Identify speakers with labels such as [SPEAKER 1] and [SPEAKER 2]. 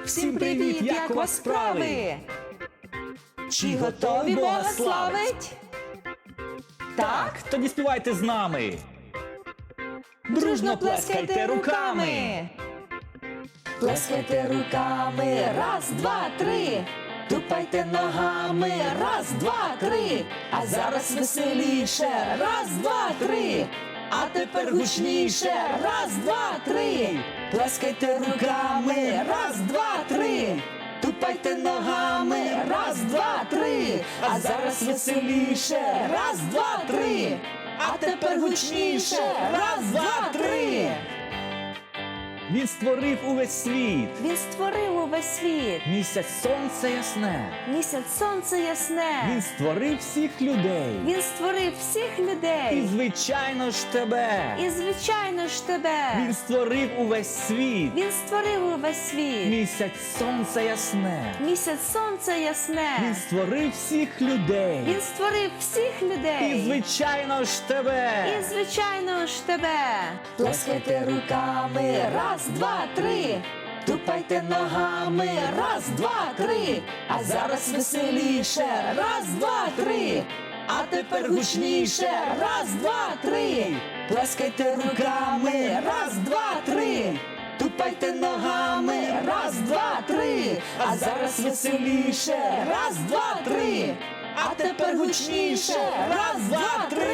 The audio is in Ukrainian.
[SPEAKER 1] Всім привіт! Як у вас справи? Чи готові Бога славить?
[SPEAKER 2] Так, тоді співайте з нами. Дружно плескайте руками.
[SPEAKER 1] Плескайте руками, раз, два, три. Тупайте ногами, раз, два, три. А зараз веселіше, раз, два, три. А тепер гучніше, раз, два, три. Плескайте руками, раз, два, три. Тупайте ногами, раз, два, три. А зараз веселіше, раз, два, три. А тепер гучніше, раз, два, три.
[SPEAKER 2] Він створив увесь світ.
[SPEAKER 1] Він створив увесь світ.
[SPEAKER 2] Місяць сонце ясне.
[SPEAKER 1] Місяць сонце ясне.
[SPEAKER 2] Він створив всіх людей.
[SPEAKER 1] Він створив всіх
[SPEAKER 2] І
[SPEAKER 1] людей.
[SPEAKER 2] звичайно ж тебе.
[SPEAKER 1] І звичайно ж тебе.
[SPEAKER 2] Він створив увесь світ.
[SPEAKER 1] Він створив увесь світ.
[SPEAKER 2] Місяць сонце ясне.
[SPEAKER 1] Місяць сонце ясне.
[SPEAKER 2] Він створив всіх людей.
[SPEAKER 1] Він створив всіх
[SPEAKER 2] І
[SPEAKER 1] людей.
[SPEAKER 2] звичайно ж тебе.
[SPEAKER 1] І звичайно ж тебе. Плескайте руками, раз, два, три. Тупайте ногами, раз, два, три. А зараз веселіше, раз, два, три. А тепер гучніше, раз, два, три. Плескайте руками, раз, два, три. Тупайте ногами, раз, два, три. А зараз веселіше, раз, два, три. А тепер гучніше, раз, два, три.